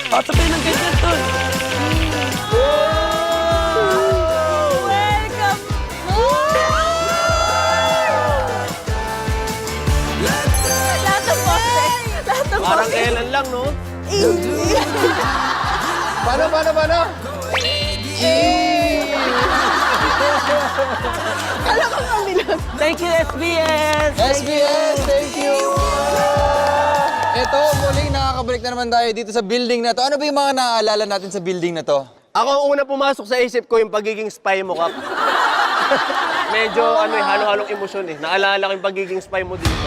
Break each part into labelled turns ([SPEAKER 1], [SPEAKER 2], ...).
[SPEAKER 1] Sabay ng ganyan, tol.
[SPEAKER 2] Welcome! Lahat ng poses. Lahat ng
[SPEAKER 1] Parang
[SPEAKER 2] poses.
[SPEAKER 1] kailan lang, no?
[SPEAKER 3] Paano?
[SPEAKER 2] Alam ko mabilang.
[SPEAKER 1] Thank you, SBS!
[SPEAKER 3] SBS, thank you! Ito, muling nakakabalik na naman tayo dito sa building na to. Ano ba yung mga naaalala natin sa building na to?
[SPEAKER 1] Ako ang una pumasok sa isip ko yung pagiging spy mo, Kap. Medyo halo-halong emosyon eh. Naalala ko yung pagiging spy mo dito.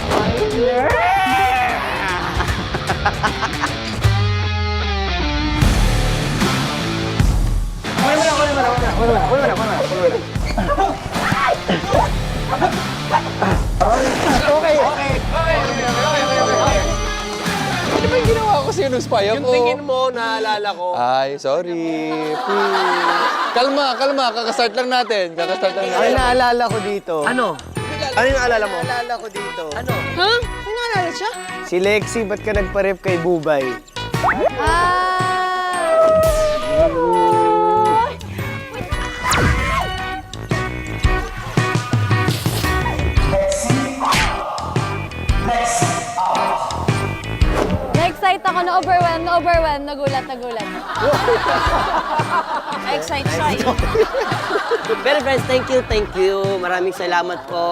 [SPEAKER 3] Ano ba yung ginawa ko sa'yo nung spy ako?
[SPEAKER 1] Yung tingin mo, naalala ko.
[SPEAKER 3] Ay, sorry. Please. Kalma. Kakastart lang natin.
[SPEAKER 4] Ay, naalala ko dito.
[SPEAKER 1] Ano? Ano yung naalala mo?
[SPEAKER 4] Naalala ko dito.
[SPEAKER 1] Ano?
[SPEAKER 2] Ha? May naalala siya?
[SPEAKER 4] Si Lexi, ba't ka nagpa-rep kay Bubay?
[SPEAKER 2] Na-excite ako, na-overwhelm, nagulat. Na-excite siya eh.
[SPEAKER 1] Pero friends, thank you. Maraming salamat po.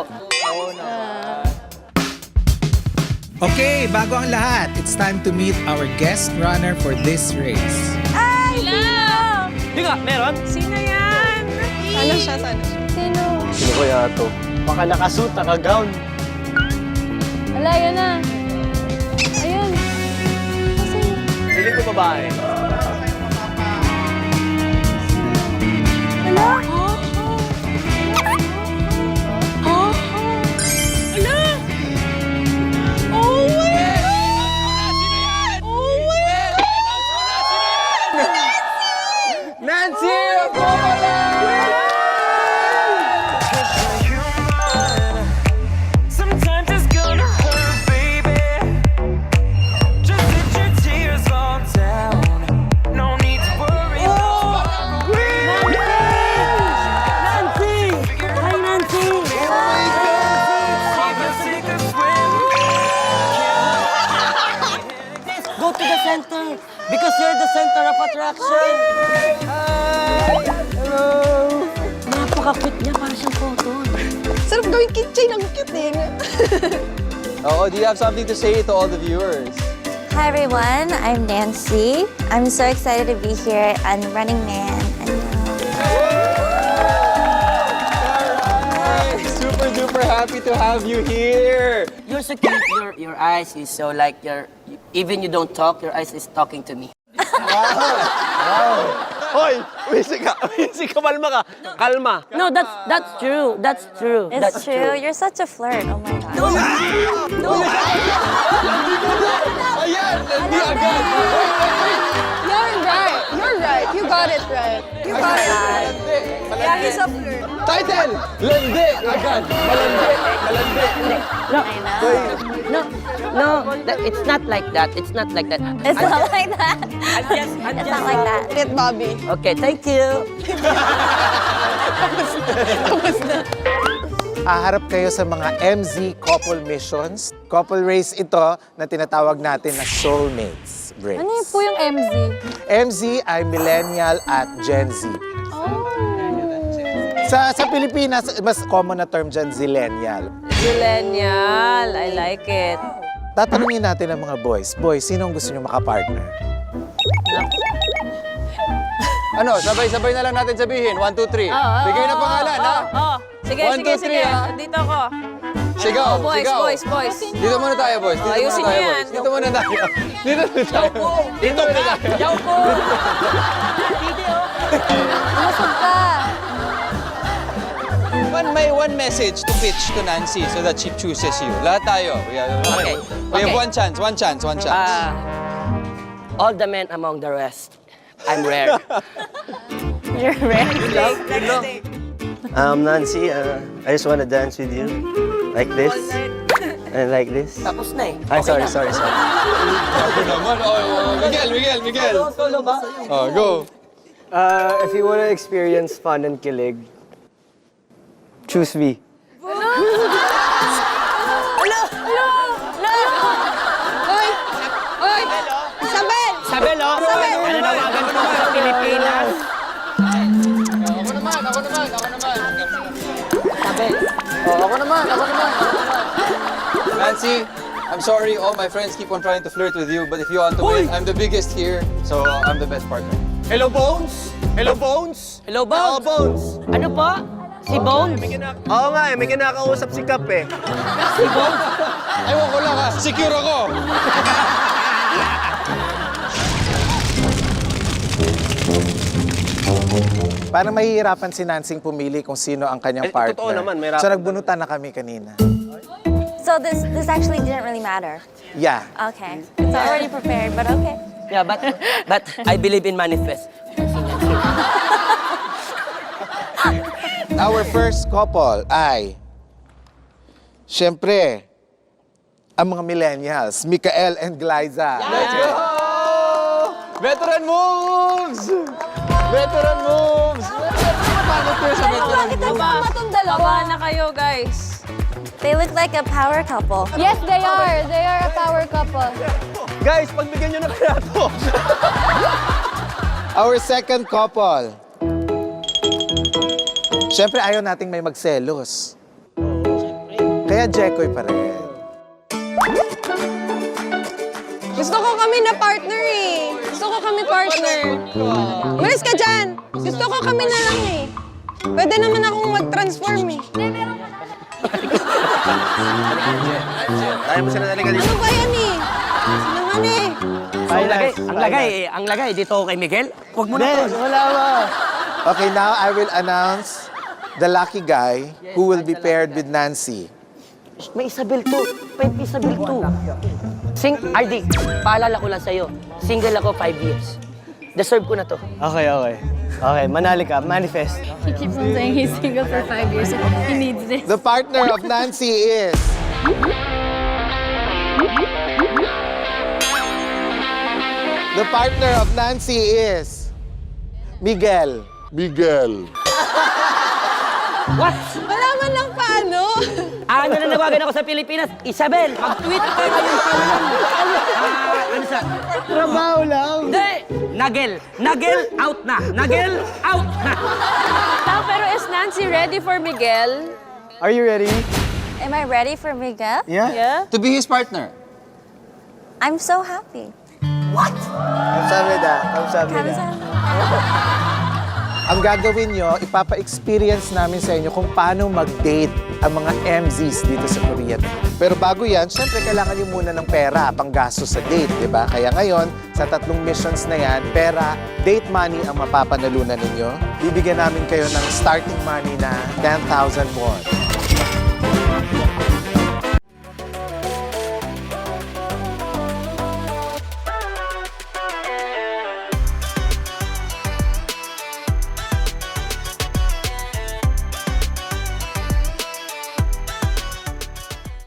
[SPEAKER 5] Okay, bago ang lahat, it's time to meet our guest runner for this race.
[SPEAKER 2] Ay! Hello!
[SPEAKER 1] Di nga, meron?
[SPEAKER 2] Sino yan? Sana siya. Sino?
[SPEAKER 4] Sino kaya to? Baka nakasuit, naka-gown.
[SPEAKER 2] Wala, yun na. Ayun. Sino?
[SPEAKER 1] Piling ko babae.
[SPEAKER 2] Wala? Wala? Oh my God! Oh my God!
[SPEAKER 3] Nancy!
[SPEAKER 6] Sometimes it's gonna hurt, baby. Just let your tears all down. No need to worry.
[SPEAKER 1] Nancy! Hi, Nancy!
[SPEAKER 6] Take a swim.
[SPEAKER 1] Go to the center because you're the center of attraction.
[SPEAKER 4] Hello!
[SPEAKER 1] Napaka-cute niya, parang siyang photo.
[SPEAKER 2] Sarap gawing kitchen. Ang cute eh.
[SPEAKER 3] Oh, do you have something to say to all the viewers?
[SPEAKER 7] Hi everyone, I'm Nancy. I'm so excited to be here on Running Man.
[SPEAKER 3] Super duper happy to have you here.
[SPEAKER 1] You're so cute. Your eyes is so like even you don't talk, your eyes is talking to me. Hoy, Wisi, kalma ka. Kalma. No, that's true. That's true.
[SPEAKER 7] It's
[SPEAKER 1] That's
[SPEAKER 7] true. You're such a flirt. Oh my god.
[SPEAKER 3] Ayan, hindi agad.
[SPEAKER 2] You're right. You got it right. You got it right. Yeah, he's a flirt.
[SPEAKER 3] Title! Landi! Agad! Malandi!
[SPEAKER 1] It's not like that. It's not like that.
[SPEAKER 7] It's not like that.
[SPEAKER 1] I'm
[SPEAKER 7] It's not like that.
[SPEAKER 2] It, Bobby.
[SPEAKER 1] Okay, thank you.
[SPEAKER 5] Haharap kayo sa mga MZ couple missions. Couple race ito na tinatawag natin na Soulmates Race.
[SPEAKER 2] Ano yun po yung MZ?
[SPEAKER 5] MZ ay Millennial at Gen Z. Sa Pilipinas, mas common na term dyan, Zillennial.
[SPEAKER 2] Millennial. I like it.
[SPEAKER 5] Tatanungin natin ang mga boys. Boys, sino ang gusto nyo makapartner?
[SPEAKER 3] Ano, sabay-sabay na lang natin sabihin. 1, 2, 3. Bigay na pangalan, ha?
[SPEAKER 2] Sige,
[SPEAKER 3] One,
[SPEAKER 2] sige,
[SPEAKER 3] two, three,
[SPEAKER 2] sige.
[SPEAKER 3] ah.
[SPEAKER 2] Dito ako.
[SPEAKER 3] Sigaw,
[SPEAKER 2] Boys,
[SPEAKER 3] sigaw.
[SPEAKER 2] boys.
[SPEAKER 3] Dito muna tayo, boys. Dito muna
[SPEAKER 2] Ayusin
[SPEAKER 3] tayo,
[SPEAKER 2] niyo yan.
[SPEAKER 3] boys. Dito muna tayo. Dito muna tayo. Dito muna tayo.
[SPEAKER 2] Umusog ka.
[SPEAKER 3] May one message to pitch to Nancy so that she chooses you. Lahat tayo. We have
[SPEAKER 1] Okay.
[SPEAKER 3] one chance.
[SPEAKER 1] All the men among the rest. I'm rare.
[SPEAKER 2] You're ready.
[SPEAKER 4] Nancy, I just want to dance with you. Like this. And like this.
[SPEAKER 8] Tapos na eh.
[SPEAKER 4] Ay, sorry.
[SPEAKER 3] Ako naman. Miguel.
[SPEAKER 8] Solo ba?
[SPEAKER 3] Oh, go.
[SPEAKER 4] If you wanna experience fun and kilig, choose me.
[SPEAKER 2] Oy! Oy! Isabel!
[SPEAKER 8] Isabel, oh. Nananawagan po sa Pilipinas.
[SPEAKER 3] Ako naman.
[SPEAKER 8] Isabel.
[SPEAKER 3] Oh, ako naman. Nancy, I'm sorry all my friends keep on trying to flirt with you, but if you want to win, I'm the biggest here, so I'm the best partner.
[SPEAKER 1] Hello, Bones? Hello, Bones?
[SPEAKER 8] Hello,
[SPEAKER 1] Oo,
[SPEAKER 8] Bones.
[SPEAKER 1] Bones.
[SPEAKER 8] Ano po? Si Bones?
[SPEAKER 1] Oo nga may kinakausap si Kap eh.
[SPEAKER 3] Ewan ko lang ha, secure ako.
[SPEAKER 5] Parang mahihirapan si Nansing pumili kung sino ang kanyang
[SPEAKER 1] Eh,
[SPEAKER 5] partner.
[SPEAKER 1] totoo naman, mahirapan
[SPEAKER 5] So nagbunutan na kami kanina.
[SPEAKER 7] So this actually didn't really matter.
[SPEAKER 5] Yeah.
[SPEAKER 7] Okay. It's already prepared, but okay.
[SPEAKER 8] Yeah, but I believe in manifest.
[SPEAKER 5] Our first couple ay, syempre, ang mga millennials, Mikael and Glyza.
[SPEAKER 3] Let's go! Veteran moves! Veteran moves! Paano to sa veteran
[SPEAKER 2] Ito
[SPEAKER 3] moves?
[SPEAKER 2] ba itong dalawa?
[SPEAKER 9] Na kayo, guys.
[SPEAKER 7] They look like a power couple.
[SPEAKER 2] Yes, they are. They are a power couple.
[SPEAKER 1] Guys, pagbigyan nyo na kaya to.
[SPEAKER 5] Our second couple. Syempre, ayaw nating may magselos. Kaya Jekoy pa rin.
[SPEAKER 2] Gusto ko kami na partner eh. Gusto ko kami partner. Umalis ka dyan. Gusto ko kami na lang eh. Pwede naman akong mag-transform eh.
[SPEAKER 1] Ayaw mo sila naligalig.
[SPEAKER 2] Ano ba yan eh? Naman eh.
[SPEAKER 8] Ang lagay dito ako kay Miguel. Huwag mo na to.
[SPEAKER 4] Wala ba?
[SPEAKER 5] Okay, now I will announce the lucky guy who will be paired with Nancy.
[SPEAKER 8] May Isabel to. May Isabel to. RD, paalala ko lang sa'yo. Single ako 5 years. Deserve ko na to.
[SPEAKER 4] Okay. Okay, manali ka. Manifest.
[SPEAKER 9] He keeps on saying he's single for 5 years. He needs this.
[SPEAKER 5] The partner of Nancy is... The partner of Nancy is... Miguel.
[SPEAKER 8] What?
[SPEAKER 2] Wala man lang paano.
[SPEAKER 8] Ano na nawagan ako sa Pilipinas? Isabel, mag-tweet ka ngayon pa lang. Ano sa?
[SPEAKER 4] Trabaho lang.
[SPEAKER 8] Hindi! Nagel out na. Nagel out na.
[SPEAKER 9] Pero is Nancy ready for Miguel?
[SPEAKER 4] Are you ready?
[SPEAKER 7] Am I ready for Miguel?
[SPEAKER 4] Yeah?
[SPEAKER 3] To be his partner.
[SPEAKER 7] I'm so happy.
[SPEAKER 4] Kamsahamnida.
[SPEAKER 7] Kamsahamnida.
[SPEAKER 5] Ang gagawin nyo, ipapa-experience namin sa inyo kung paano mag-date ang mga MZs dito sa Korea. Pero bago yan, syempre kailangan nyo muna ng pera, panggastos sa date, di ba? Kaya ngayon, sa 3 missions na yan, pera, date money ang mapapanalunan ninyo. Bibigyan namin kayo ng starting money na 10,000 won.